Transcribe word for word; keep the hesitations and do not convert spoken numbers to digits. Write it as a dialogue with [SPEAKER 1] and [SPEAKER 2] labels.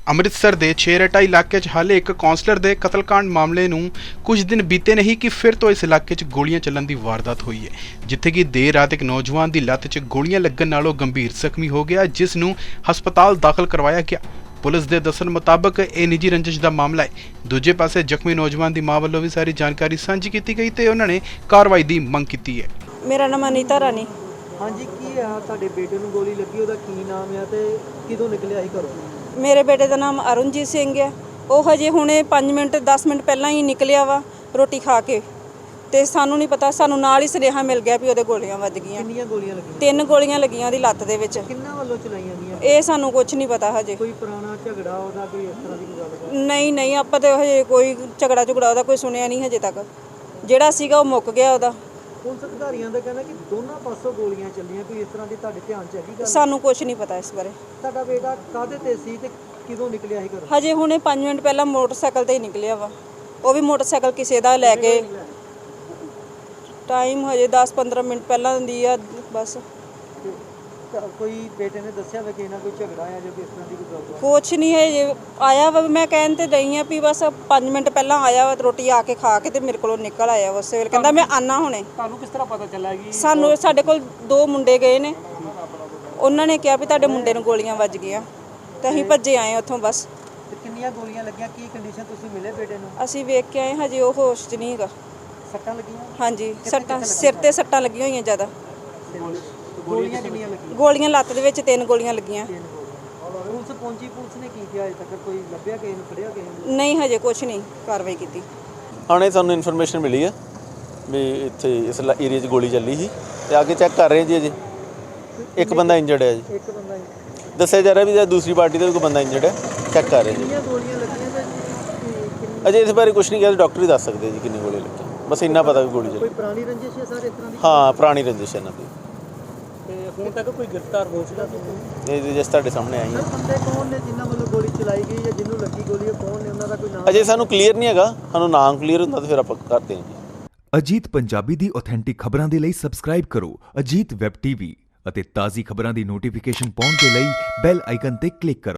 [SPEAKER 1] ਅੰਮ੍ਰਿਤਸਰ ਦੇ ਛੇਰਟਾ ਇਲਾਕੇ 'ਚ ਹਾਲੇ ਇੱਕ ਕੌਂਸਲਰ ਦੇ ਕਤਲकांड ਮਾਮਲੇ ਨੂੰ ਕੁਝ ਦਿਨ ਬੀਤੇ ਨਹੀਂ ਕਿ ਫਿਰ ਤੋਂ ਇਸ ਇਲਾਕੇ 'ਚ ਗੋਲੀਆਂ ਚੱਲਣ ਦੀ ਵਾਰਦਾਤ ਹੋਈ ਹੈ, ਜਿੱਥੇ ਕਿ ਦੇਰ ਰਾਤ ਇੱਕ ਨੌਜਵਾਨ ਦੀ ਲੱਤ 'ਚ ਗੋਲੀਆਂ ਲੱਗਣ ਨਾਲੋਂ ਗੰਭੀਰ ਜ਼ਖਮੀ ਹੋ ਗਿਆ, ਜਿਸ ਨੂੰ ਹਸਪਤਾਲ ਦਾਖਲ ਕਰਵਾਇਆ ਗਿਆ। ਪੁਲਿਸ ਦੇ ਦੱਸਣ ਮੁਤਾਬਕ ਇਹ ਨਿੱਜੀ ਰੰਜਿਸ਼ ਦਾ ਮਾਮਲਾ ਹੈ। ਦੂਜੇ ਪਾਸੇ ਜ਼ਖਮੀ ਨੌਜਵਾਨ ਦੀ ਮਾਂ ਵੱਲੋਂ ਵੀ ਸਾਰੀ ਜਾਣਕਾਰੀ ਸਾਂਝੀ ਕੀਤੀ ਗਈ ਤੇ ਉਹਨਾਂ ਨੇ ਕਾਰਵਾਈ ਦੀ ਮੰਗ ਕੀਤੀ ਹੈ।
[SPEAKER 2] ਮੇਰਾ ਨਾਮ ਅਨੀਤਾ ਰਾਣੀ।
[SPEAKER 3] ਹਾਂਜੀ, ਕੀ ਆ ਤੁਹਾਡੇ ਬੇਟੇ ਨੂੰ ਗੋਲੀ ਲੱਗੀ, ਉਹਦਾ ਕੀ ਨਾਮ ਆ ਤੇ ਕਿਦੋਂ ਨਿਕਲਿਆ ਸੀ ਘਰੋਂ?
[SPEAKER 2] ਮੇਰੇ ਬੇਟੇ ਦਾ ਨਾਮ ਅਰੁਣਜੀਤ ਸਿੰਘ ਹੈ। ਉਹ ਹਜੇ ਹੁਣੇ ਪੰਜ ਮਿੰਟ ਦਸ ਮਿੰਟ ਪਹਿਲਾਂ ਹੀ ਨਿਕਲਿਆ ਵਾ ਰੋਟੀ ਖਾ ਕੇ, ਤੇ ਸਾਨੂੰ ਨਹੀਂ ਪਤਾ, ਸਾਨੂੰ ਨਾਲ ਹੀ ਸੁਨੇਹਾ ਮਿਲ ਗਿਆ ਵੀ ਉਹਦੇ ਗੋਲੀਆਂ ਵੱਜ ਗਈਆਂ।
[SPEAKER 3] ਕਿੰਨੀਆਂ ਗੋਲੀਆਂ ਲੱਗੀਆਂ?
[SPEAKER 2] ਤਿੰਨ ਗੋਲੀਆਂ ਲੱਗੀਆਂ ਉਹਦੀ ਲੱਤ ਦੇ ਵਿੱਚ।
[SPEAKER 3] ਕਿੰਨਾਂ ਵੱਲੋਂ ਚਲਾਈਆਂ ਗਈਆਂ?
[SPEAKER 2] ਇਹ ਸਾਨੂੰ ਕੁਝ ਨਹੀਂ ਪਤਾ ਹਜੇ।
[SPEAKER 3] ਕੋਈ ਪੁਰਾਣਾ ਝਗੜਾ ਉਹਦਾ, ਕੋਈ ਇਸ ਤਰ੍ਹਾਂ ਦੀ ਕੋਈ ਗੱਲ?
[SPEAKER 2] ਨਹੀਂ ਨਹੀਂ, ਆਪਾਂ ਤੇ ਹਜੇ ਕੋਈ ਝਗੜਾ ਝੁਗੜਾ ਉਹਦਾ ਕੋਈ ਸੁਣਿਆ ਨਹੀਂ ਹਜੇ ਤੱਕ। ਜਿਹੜਾ ਸੀਗਾ ਉਹ ਮੁੱਕ ਗਿਆ ਉਹਦਾ।
[SPEAKER 3] ਪੁਲਿਸ ਅਧਿਕਾਰੀਆਂ ਦਾ ਕਹਿਣਾ ਕਿ ਦੋਨਾਂ ਪਾਸੋਂ ਗੋਲੀਆਂ ਚੱਲੀਆਂ, ਕੋਈ ਇਸ ਤਰ੍ਹਾਂ ਦੀ ਤੁਹਾਡੇ ਧਿਆਨ 'ਚ ਹੈਗੀ ਗੱਲ?
[SPEAKER 2] ਸਾਨੂੰ ਕੁਝ ਨਹੀਂ ਪਤਾ ਇਸ ਬਾਰੇ।
[SPEAKER 3] ਤੁਹਾਡਾ ਬੇਟਾ ਕਾਹਦੇ ਤੇ ਸੀ ਤੇ ਕਿਦੋਂ ਨਿਕਲਿਆ ਸੀ ਘਰੋਂ?
[SPEAKER 2] ਹਜੇ ਹੁਣੇ ਪੰਜ ਮਿੰਟ ਪਹਿਲਾਂ ਮੋਟਰਸਾਈਕਲ ਤੇ ਹੀ ਨਿਕਲਿਆ ਵਾ। ਉਹ ਵੀ ਮੋਟਰਸਾਈਕਲ ਕਿਸੇ ਦਾ ਲੈ ਕੇ। ਟਾਈਮ ਹਜੇ ਦਸ ਪੰਦਰਾਂ ਮਿੰਟ ਪਹਿਲਾਂ ਦੀ ਆ ਬਸ।
[SPEAKER 3] ਤੇ ਕੋਈ ਬੇਟੇ ਨੇ ਦੱਸਿਆ ਵਾ ਕਿ ਇਹਨਾਂ ਕੋਈ ਝਗੜਾ ਆ ਜਾਂ ਕਿਸ ਤਰ੍ਹਾਂ ਦੀ ਕੋਈ ਗੱਲ?
[SPEAKER 2] ਕੁਛ ਨਹੀਂ ਹੈ ਜੇ ਆਇਆ ਵਾ। ਮੈਂ ਕਹਿਣ ਤੇ ਰਹੀ ਆ ਵੀ ਬਸ ਪੰਜ ਮਿੰਟ ਪਹਿਲਾਂ ਆਇਆ ਵਾ, ਰੋਟੀ ਆ ਕੇ ਖਾ ਕੇ ਤੇ ਮੇਰੇ ਕੋਲੋਂ ਨਿਕਲ ਆਇਆ ਉਸੇ ਵੇਲੇ। ਕਹਿੰਦਾ ਮੈਂ ਆਨਾ ਹੁਣੇ।
[SPEAKER 3] ਤੁਹਾਨੂੰ ਕਿਸ ਤਰ੍ਹਾਂ ਪਤਾ ਚੱਲਿਆ ਕਿ
[SPEAKER 2] ਸਾਨੂੰ ਸਾਡੇ ਕੋਲ ਦੋ ਮੁੰਡੇ ਗਏ ਨੇ, ਉਹਨਾਂ ਨੇ ਕਿਹਾ ਵੀ ਤੁਹਾਡੇ ਮੁੰਡੇ ਨੂੰ ਗੋਲੀਆਂ ਵੱਜ ਗਈਆਂ, ਤੇ ਅਸੀਂ ਭੱਜੇ ਆਏ ਉੱਥੋਂ ਬਸ।
[SPEAKER 3] ਤੇ ਕਿੰਨੀਆਂ ਗੋਲੀਆਂ ਲੱਗੀਆਂ, ਕੀ ਕੰਡੀਸ਼ਨ ਤੁਸੀਂ ਮਿਲੇ ਬੇਟੇ ਨੂੰ?
[SPEAKER 2] ਅਸੀਂ ਵੇਖ ਕੇ ਆਏ, ਹਜੇ ਉਹ ਹੋਸ਼ 'ਚ ਨਹੀਂ ਹੈਗਾ।
[SPEAKER 3] ਸੱਟਾਂ ਲੱਗੀਆਂ?
[SPEAKER 2] ਹਾਂਜੀ, ਸੱਟਾਂ ਸਿਰ ਤੇ ਸੱਟਾਂ ਲੱਗੀਆਂ ਹੋਈਆਂ ਜ਼ਿਆਦਾ।
[SPEAKER 3] ਗੋਲੀਆਂ ਕਿੰਨੀਆਂ ਲੱਗੀਆਂ?
[SPEAKER 2] ਗੋਲੀਆਂ ਲੱਤ ਦੇ ਵਿੱਚ ਤਿੰਨ ਗੋਲੀਆਂ ਲੱਗੀਆਂ।
[SPEAKER 3] ਪੁਲਿਸ ਪਹੁੰਚੀ, ਪੁਲਿਸ ਨੇ ਕੀ ਕੀਤਾ? ਅਜੇ ਤੱਕ ਕੋਈ ਲੱਭਿਆ ਕਿਸੇ ਨੂੰ, ਫੜਿਆ ਕਿਸੇ ਨੂੰ?
[SPEAKER 2] ਨਹੀਂ, ਹਜੇ ਕੁਛ ਨਹੀਂ ਕਾਰਵਾਈ ਕੀਤੀ।
[SPEAKER 4] ਹੁਣੇ ਸਾਨੂੰ ਇਨਫੋਰਮੇਸ਼ਨ ਮਿਲੀ ਹੈ ਵੀ ਇੱਥੇ ਇਸ ਏਰੀਆ 'ਚ ਗੋਲੀ ਚੱਲੀ ਸੀ ਤੇ ਆ ਕੇ ਚੈੱਕ ਕਰ ਰਹੇ ਜੀ। ਅਜੇ ਇੱਕ ਬੰਦਾ ਇੰਜਰਡ ਹੈ ਜੀ।
[SPEAKER 3] ਇੱਕ ਬੰਦਾ
[SPEAKER 4] ਦੱਸਿਆ ਜਾ ਰਿਹਾ ਵੀ ਦੂਸਰੀ ਪਾਰਟੀ ਦਾ ਵੀ ਕੋਈ ਬੰਦਾ ਇੰਜਰਡ ਹੈ, ਚੈੱਕ ਕਰ ਰਹੇ ਜੀ।
[SPEAKER 3] ਕਿੰਨੀਆਂ ਗੋਲੀਆਂ ਲੱਗੀਆਂ ਤੇ
[SPEAKER 4] ਅਜੇ ਇਸ ਬਾਰੇ ਕੁਝ ਨਹੀਂ ਕਿਹਾ, ਡਾਕਟਰ ਹੀ ਦੱਸ ਸਕਦੇ ਜੀ ਕਿੰਨੀ ਗੋਲੀ ਲੱਗੀ। ਬਸ ਇੰਨਾ ਪਤਾ ਵੀ ਗੋਲੀ ਚੱਲੀ।
[SPEAKER 3] ਕੋਈ ਪੁਰਾਣੀ ਰੰਜਿਸ਼ ਹੈ ਸਰ ਇਸ ਤਰ੍ਹਾਂ ਦੀ?
[SPEAKER 4] ਹਾਂ, ਪੁਰਾਣੀ ਰੰਜਿਸ਼ ਹੈ ਇਹਨਾਂ ਦੀ।
[SPEAKER 3] ਤੇ ਹੁਣ ਤੱਕ ਕੋਈ ਗ੍ਰਿਫਤਾਰ ਹੋ ਚੁੱਕਾ ਤੁਸੀਂ?
[SPEAKER 4] ਇਹ ਜਿਸ ਤੁਹਾਡੇ ਸਾਹਮਣੇ ਆਈ ਹੈ।
[SPEAKER 3] ਬੰਦੇ ਕੌਣ ਨੇ ਜਿਨ੍ਹਾਂ ਵੱਲੋਂ ਗੋਲੀ ਚਲਾਈ ਗਈ ਜਾਂ ਜਿਹਨੂੰ ਲੱਗੀ ਗੋਲੀ, ਉਹ ਕੌਣ ਨੇ, ਉਹਨਾਂ ਦਾ ਕੋਈ ਨਾਮ?
[SPEAKER 4] ਅਜੇ ਸਾਨੂੰ ਕਲੀਅਰ ਨਹੀਂ ਹੈਗਾ, ਸਾਨੂੰ ਨਾਮ ਕਲੀਅਰ ਹੁੰਦਾ ਤਾਂ ਫਿਰ ਆਪਾਂ ਕਰਦੇ ਹਾਂ ਜੀ।
[SPEAKER 5] ਅਜੀਤ ਪੰਜਾਬੀ ਦੀ ਆਥੈਂਟਿਕ ਖਬਰਾਂ ਦੇ ਲਈ ਸਬਸਕ੍ਰਾਈਬ ਕਰੋ ਅਜੀਤ ਵੈਬ ਟੀਵੀ ਅਤੇ ਤਾਜ਼ੀ ਖਬਰਾਂ ਦੀ ਨੋਟੀਫਿਕੇਸ਼ਨ ਪਾਉਣ ਦੇ ਲਈ ਬੈਲ ਆਈਕਨ ਤੇ ਕਲਿੱਕ ਕਰੋ।